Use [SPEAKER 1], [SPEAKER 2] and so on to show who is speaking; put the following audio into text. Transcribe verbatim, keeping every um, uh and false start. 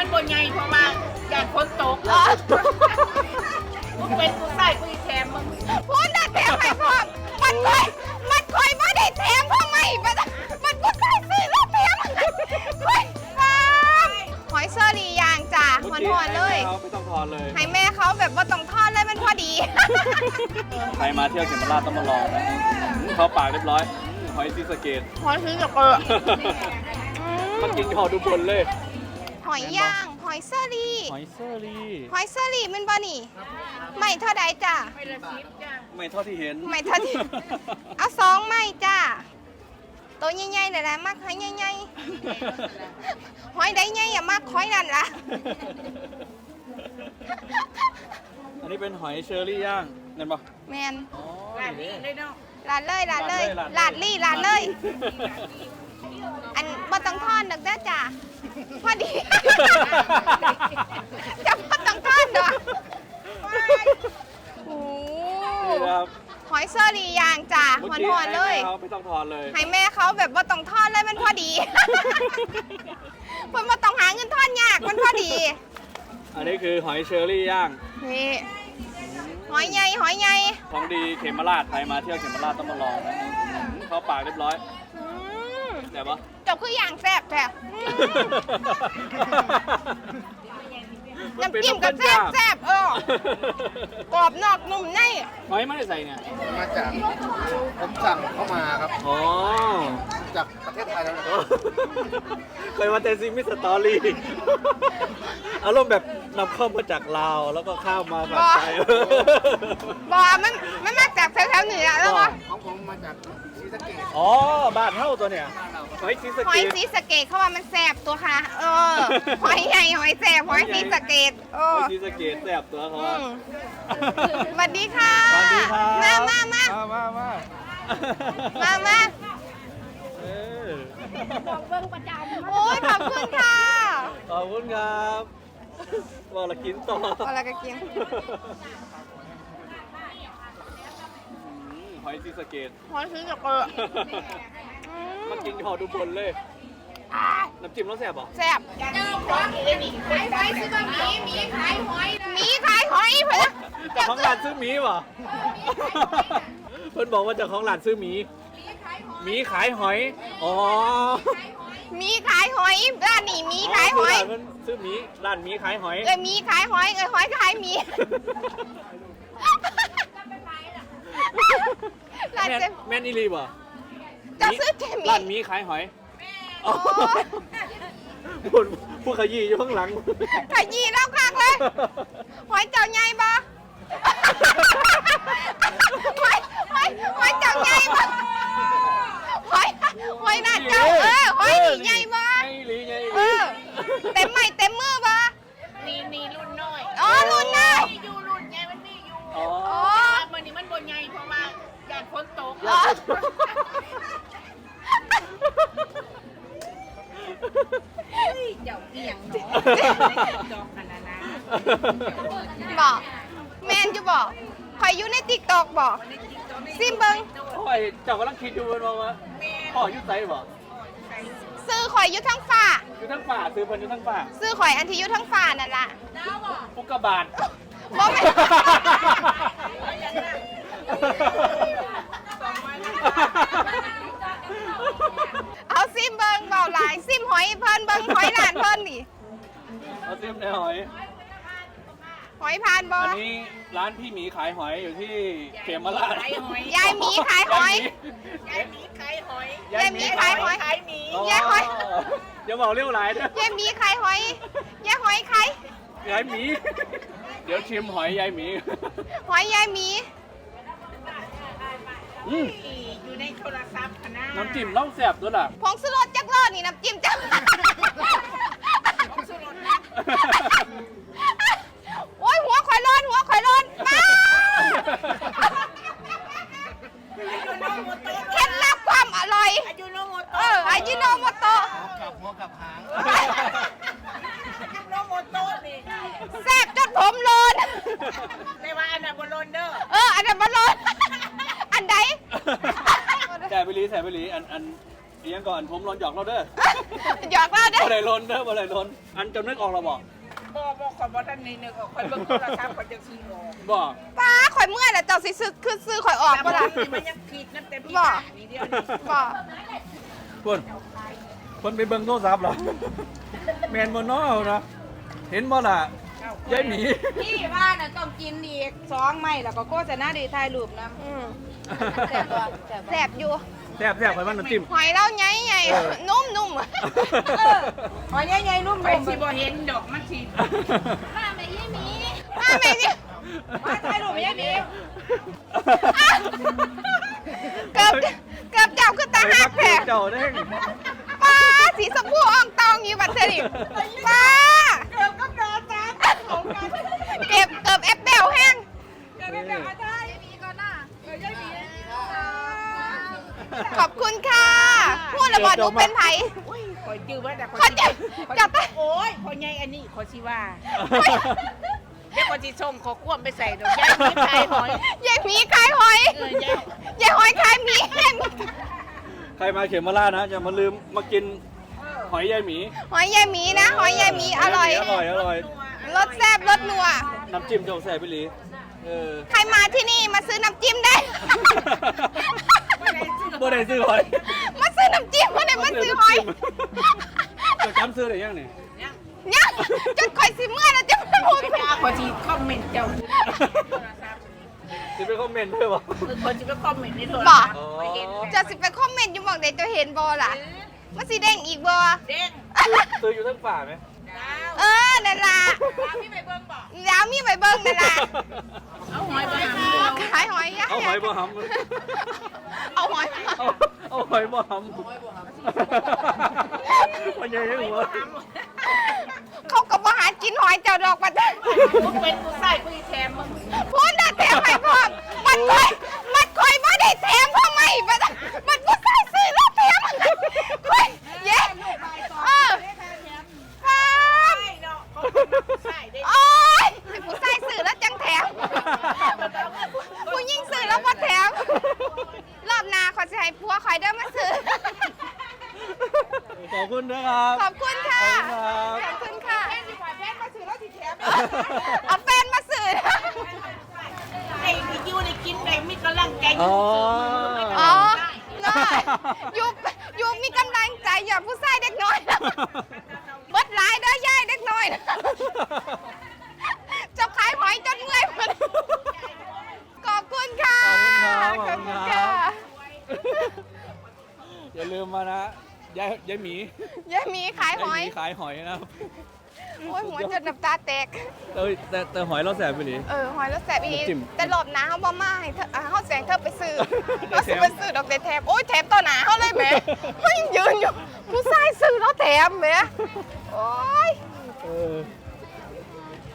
[SPEAKER 1] มันบนใหญ่เพราะว่าอยากฝนตกมึงเป็นกูใส่กูอีแถมมึง
[SPEAKER 2] พูดน่ะแถมให้พร้อมมันคอยมันคอยไม่ได้แถมเพราะไม่มันมันก็ใส่ซื้อแล้วแถมคอยฟ้ามหอยเชอรี่ย่างจ้าหอนหอนๆเลย
[SPEAKER 3] ไม่ต้องทอนเลย
[SPEAKER 2] ให้แม่เขาแบบว่าต้องทอดเลยมันพอดี
[SPEAKER 3] ใครมาเที่ยวเขมราชต้องมาลองนะเขาปากเรียบร้อยหอยซีสะเกต
[SPEAKER 2] หอยซื้อกับเกลือ
[SPEAKER 3] มันกินหอดูบนเลย
[SPEAKER 2] หอยย่างหอยเชอรี่
[SPEAKER 3] หอยเซอรี่
[SPEAKER 2] หอยเชอรี่มันบ่นี่ไม่เท่าใดจ้า
[SPEAKER 1] ไม่ละสิบจ้า
[SPEAKER 3] ไม่เท่าที่เห็น
[SPEAKER 2] ไม่เท่าที่ เอาสองไม่จ้าตัวใหญ่ๆเลยแหละมักหอยใหญ่ๆหอยใดใหญ่อย่ามากหอยนั่นล่ะ
[SPEAKER 3] อันนี้เป็นหอยเชอรี่ย่างเห็นปะ
[SPEAKER 2] แมน
[SPEAKER 3] อ๋อ
[SPEAKER 1] ร้านนี้เลยเนาะ
[SPEAKER 2] ลาดเลยลาดเลยลาดลี่ลาดเลย อันบ่ต้องทอดดอกเด้อจ้าพอดี จะบ่ต้องทอดดอกโอ้
[SPEAKER 3] นี่นะครับ
[SPEAKER 2] หอยเชอรี่ย่างจ้าหอนหอนๆเลย
[SPEAKER 3] เขาไม่ต้องทอนเลย
[SPEAKER 2] ให้แม่เขาแบบว่าต้องทอดเลยมันพอดี เพิ่นมาต้องหาเงินทอดยากมันพอดี
[SPEAKER 3] อันนี้คือหอยเชอรี่ย่าง
[SPEAKER 2] นี่หอยใหญ่หอยใหญ่
[SPEAKER 3] ของดีเขมราชใครมาเที่ยวเขมราชต้องมาลองนะเขาปากเรียบร้อย
[SPEAKER 2] อืม
[SPEAKER 3] แต่ปะ
[SPEAKER 2] เจบคืออย่างแซ่บแท้อืมน้ำจิ้มก็แซ่บแซ่บเออกรอบนอกนุ่มใน
[SPEAKER 3] หอยไม่ได้ใส่เนี่ย
[SPEAKER 4] มาจากผมสั่งเข้ามาครับ
[SPEAKER 3] อ๋อ
[SPEAKER 4] จากประเทศไทยแล้วนะ
[SPEAKER 3] เคยมาเตซิมิสตอรี่อารมณ์แบบนำเข้ามาจากลาวแล้วก็ข้ามมาฝั่งไทย
[SPEAKER 2] บอมันมันมาจากแถวๆเหนือแล้ววะ
[SPEAKER 4] ของผมมาจากศรีสะเกษ
[SPEAKER 3] อ๋อบ้านเท่าตัวเนี่ยหอยซีสะ
[SPEAKER 2] หอ
[SPEAKER 3] เก
[SPEAKER 2] ย
[SPEAKER 3] ต
[SPEAKER 2] สีสะเกดเขาว่ามันแซ่บตัวค่ะ เออหอยใหญ่หอยแซ่บหอยสีสะเกดเอ
[SPEAKER 3] ห
[SPEAKER 2] อ
[SPEAKER 3] อยซีสะเกตแซ่บตัวเขา
[SPEAKER 2] อื
[SPEAKER 3] ว่า
[SPEAKER 2] มสวัสดีค่ะ
[SPEAKER 3] สวัสดีครับ
[SPEAKER 2] มามามา
[SPEAKER 3] มามามา
[SPEAKER 2] มามา
[SPEAKER 3] เออ
[SPEAKER 2] โอ้ยขอบคุณค่ะ
[SPEAKER 3] ขอบคุณครับบอกละกินต่อ
[SPEAKER 2] เอาละก็กิน
[SPEAKER 3] อืมหอยซีสะเกต
[SPEAKER 2] หอยซื้อกับเกลืออื
[SPEAKER 3] มันกินหอดูบนเลย น้ำจิ้มแล้วแซ่บเหรอ
[SPEAKER 2] แซ่บ
[SPEAKER 1] เจ้าของเอนี่ขายไปซื้อมาหมีหมีขายหอยนะ
[SPEAKER 2] หมีขายหอยเพื่อน
[SPEAKER 3] เจ้าของร้านซื้อหมีเหรอเพื่อนบอกว่าเจ้าของร้านซื้อหมีหมีขายหอย อ๋อ
[SPEAKER 2] หมีขายหอยร้านนี้หมีขายหอย
[SPEAKER 3] ร้านมันซื้อหมีร้านหมีขายหอย
[SPEAKER 2] เอ้ยหมีขายหอยเอ้ยหอยขายหมีร้าน
[SPEAKER 3] แม่น
[SPEAKER 2] เจ๊
[SPEAKER 3] แม่นอีรีบ่
[SPEAKER 2] จะซื้อเจหมี
[SPEAKER 3] ร้านหมีขายหอยอ๋อพูดพูดขยี้อยู่ข้างหลัง
[SPEAKER 2] ขยี้แล้วคักเลย หอยเจ้าใหญ่บ่หอยหอยหอยเจ้าใหญ่บ่หอยหอยน่าเจ้าเออหอยนี่ใหญ่บ่
[SPEAKER 3] ใหญ่อีหลีใหญ่อีห
[SPEAKER 2] เอ
[SPEAKER 3] ลี
[SPEAKER 2] อเต็มไม้เต็มมือบ่
[SPEAKER 1] นี่นี่รุ่นน้อย
[SPEAKER 2] อ๋อรุ่นน้อย
[SPEAKER 1] นี่อยู่รุ่นใหญ่มันนี่อยู่
[SPEAKER 3] อ๋อ
[SPEAKER 2] อ๋อ
[SPEAKER 1] มันนี่มันบนใหญ่เพราะว่าอยากฝนตก
[SPEAKER 2] อ๋อ
[SPEAKER 1] เจ้าเอียงเนาะจอกขนาดนั้น
[SPEAKER 2] บอกแมนอยู่บอกคอยอยู่ในติ๊กตอกบอกซิมเบิง
[SPEAKER 3] โอ้ยเจ้ากำลังคิดอยู่มันว่าพ่ออยุ่ไซบ่
[SPEAKER 2] ซื้อข่อยอยู่ทั้งฝ่า
[SPEAKER 3] อยู่ทั้งป่าซื้อเพิ่นอยู่ทั้งป่า
[SPEAKER 2] ซื้อข่อยอันที่อยู่ทั้งฝ่านั่นล่ะ
[SPEAKER 3] ปุกกาบาท
[SPEAKER 2] บ่แม่นเอาซิมเบิงเบาหลายซิมหอยเพิ่นเบิงหอยหลานเพิ่นนี่
[SPEAKER 3] เอาซิมในหอย
[SPEAKER 2] หอยพานบ่
[SPEAKER 3] อันนี้ร้านพี่หมีขายหอยอยู่ที่เขมราช
[SPEAKER 1] ขายหอย
[SPEAKER 2] ยายหมีขายหอย
[SPEAKER 1] ยายหมีขายหอย
[SPEAKER 2] ยายหมีขายหอย
[SPEAKER 1] ขายหมี
[SPEAKER 2] ยายหอย
[SPEAKER 3] เดี๋ยวบอกเรียวหลายเด้อย
[SPEAKER 2] ายหมีขายหอยยายหอยขาย
[SPEAKER 3] ยายหมี เดี๋ยวชิมหอยยายหมี
[SPEAKER 2] หอยยายหมี
[SPEAKER 3] อืม
[SPEAKER 1] อยู่ในโทรศัพท์คณะ
[SPEAKER 3] น้ำจิ้มเล่าแซ่บด้วยล่ะ
[SPEAKER 2] ผงสุรสจักรอดนี่น้ำจิ้มจัก โอ้ยหัวข่อยร้อนหัวข่อยร้อนป้าเคล็ดลับความอร่อย
[SPEAKER 1] อายุโนโมโต
[SPEAKER 2] เอออายิโนโมโตะ
[SPEAKER 4] กับหัวกับหาง
[SPEAKER 1] อายุโนโมโตนี่
[SPEAKER 2] แซ่บจนผมร้อน
[SPEAKER 1] ไม่ว่าอันนั้นบนโลนเด้อ
[SPEAKER 2] เอออันนั้นมันร้อนอันใด
[SPEAKER 3] ใส่ไปลีใส่ไปลีอันอันอีกอย่างก่อนผมรอนหยอกเราเด้อ
[SPEAKER 2] หยอกเราเด้อ
[SPEAKER 3] บ่ได้ลนเด้อบ่ได้ลนอันจำนึกออกเราบอก
[SPEAKER 1] บ่บ่ขอบ่ทันนี่นึกออกคอยเบิ่งโทรศัพท์คอยจะซื้อออก
[SPEAKER 3] บอก
[SPEAKER 2] ป้าข่อยเมื่อยแล้วเจ้าสิซื้อคือซื้อข่อยออก
[SPEAKER 1] แต่
[SPEAKER 2] บ่
[SPEAKER 1] บ่
[SPEAKER 2] ล่ะ
[SPEAKER 1] นี่มันยังผิดนั่นแต่พี่
[SPEAKER 2] บ่
[SPEAKER 1] นี่เดียวนี่
[SPEAKER 2] บ่
[SPEAKER 3] คนคนไปเบิ่งโทรศัพท์เหรอแมนบนน้อนะเห็นบ่ล่ะยายหมี
[SPEAKER 5] พี่ว่าน่ะต้องกินอีกสองไม้แล้วก็โฆษณาดีถ่ายรูปนะ
[SPEAKER 2] อืม
[SPEAKER 5] แซ่บบ่แซ่บ
[SPEAKER 2] แสบอยู่
[SPEAKER 3] แซ่บแซ่บไปมันน้ำจิ้ม
[SPEAKER 2] หอยเล่าใหญ่ใหญ่
[SPEAKER 3] เออ
[SPEAKER 2] นุ่มนุ่ม
[SPEAKER 5] หอยใหญ่ๆนุ่ม
[SPEAKER 1] ไปสิบ่เห็นดอกมันสิ
[SPEAKER 2] มาแม่ยี่มีมาแม่นี่
[SPEAKER 5] มาถ่ายรูปไม่ใช่มี
[SPEAKER 2] เกือบเกือบเจ้าคือตาหักแผล
[SPEAKER 3] เจ้าเด้ง
[SPEAKER 2] ป้าสีสมพูอ่องตองอยู่บัดเสริป้า
[SPEAKER 5] เกือบกับดาจ้าของกัน
[SPEAKER 2] เก็บเกือบแอปเปิลแห้ง
[SPEAKER 5] เกือบกับดาจ้ามีก่อนหน้าเออใช่มี
[SPEAKER 2] ขอบคุณค่ะพูดระบอดหนูเป็นไผ
[SPEAKER 1] โอ้ยคอยจื้อไว้แต่คอย
[SPEAKER 2] ขอจับจับไป
[SPEAKER 1] โอ้ยคอยใหญ่อันนี้คอยสิว่าเดี๋ยวคอยสิส่งขอควมไปใส่ดอกยายมีไข่หอย
[SPEAKER 2] ยายหมีขายหอย
[SPEAKER 1] เออยาย
[SPEAKER 2] ยายหอยขายหมี
[SPEAKER 3] ใครมาเขมราชนะจะมาลืมมากินหอยยายหมี
[SPEAKER 2] หอยยายหมีนะ หอยยายหมีอร่อย
[SPEAKER 3] อร่อยอร่อย
[SPEAKER 2] รสแซ่บรสนัว
[SPEAKER 3] น้ำจิ้มเจ้าแซ่บไปหลีเออ
[SPEAKER 2] ใครมาที่นี่มาซื้อน้ำจิ้มได้
[SPEAKER 3] บ่ได้ซื้อหอย
[SPEAKER 2] มาซื้อน้ำจิ้มมาเลยมาซื้อหอย
[SPEAKER 3] จะจำซื้อได้ยังนี่
[SPEAKER 2] เนี่ยจนคอยสิเมื่อยแล้วจะไม่พูด
[SPEAKER 1] ไม่เอาคอยสิคอมเมนต์เจ้าโทรศัพท์
[SPEAKER 3] จะไปคอมเมนต์ด้วยบ่
[SPEAKER 1] คือคนสิไปคอมเมนต์ในโทร
[SPEAKER 2] บอ
[SPEAKER 1] ศั
[SPEAKER 2] ก
[SPEAKER 1] พท์คอยเห็น
[SPEAKER 2] จะสิไปคอมเมนต์อยู่บอกเด็กจะเห็นบอล่ะมันสิเด้งอีกบอ
[SPEAKER 1] เด้ง
[SPEAKER 3] ซื้ออยู่ทั้งฝ่าไหม
[SPEAKER 1] ดาว
[SPEAKER 2] เออนั่นล่ะ
[SPEAKER 1] ดาวพี่ไปเบิ่งบ่
[SPEAKER 2] แล้วมีใบเบิ้งนั่นล่ะ
[SPEAKER 1] เอาหอยไปหาหมู
[SPEAKER 2] ขายหอยยะ
[SPEAKER 3] เอาหอยบ่ห
[SPEAKER 2] เอาหอย
[SPEAKER 3] ำเอาเอาหอยบ่หำมันยังยังหัว
[SPEAKER 2] เขาก็บ่หากินหอยเจ้าดอกปัด
[SPEAKER 1] มึงเป็นผู้ชายกูอีแถมมึง
[SPEAKER 2] พูดน่ะแถมให้พร้อมมันคอยมันคอยบ่ได้แถมเพราะไม่มันมันผู้ชายซื้อแล้วแถมคอยเย้เออครับ
[SPEAKER 1] ใช่เนาะเขาเป็นผู้ชายได้
[SPEAKER 2] โอ้ยให้ผู้ชายซื้อแล้วจังแถม ผู้ยิ่งซื้อแล้วบ่แถม รอบหน้าขอสิให้ผัวคอยเด้อมาซื้อ
[SPEAKER 3] ขอบคุณนะครับ
[SPEAKER 2] ขอบคุณค่ะ
[SPEAKER 3] ขอบคุณครับ
[SPEAKER 2] ขอบคุณค่ะเอาแฟนมาซื้อ
[SPEAKER 1] ไอ้ที่อยู่ในกินได้มีกำลังใจ
[SPEAKER 3] อ๋อ
[SPEAKER 2] อ๋อน้อยอยู่อยู่มีกำลังใจอย่าผู้ชายเด็กน้อยนะเบิดหลายเด้อย่ายเด็กน้อยนะจะขายหอยจนเมื่อยหมดขอบคุณค่ะ
[SPEAKER 3] ขอบคุณครับขอบคุณครับ อย่าลืมมานะยายยายหมี
[SPEAKER 2] ยายหมีขายหอย
[SPEAKER 3] ยายหมีขายหอยนะครับ
[SPEAKER 2] โอ้ยหัวจนน้ำตาแตก
[SPEAKER 3] เอ้ยแต่แต่หอยเราแสบไปหลี
[SPEAKER 2] เออหอยแล้วแสบอี
[SPEAKER 3] จิ้ม
[SPEAKER 2] แต่หลบหนาเขาบ่มาให้เธออ่าเขาแสงเธอไปซื้อเขาสิไปซื้อดอกเดแถมโอ้ยแถมต่อหนาเขาเลยแหมเขายังยืนอยู่ผู้ชายซื้อแล้วแถมแหมโอ้ย
[SPEAKER 3] เออ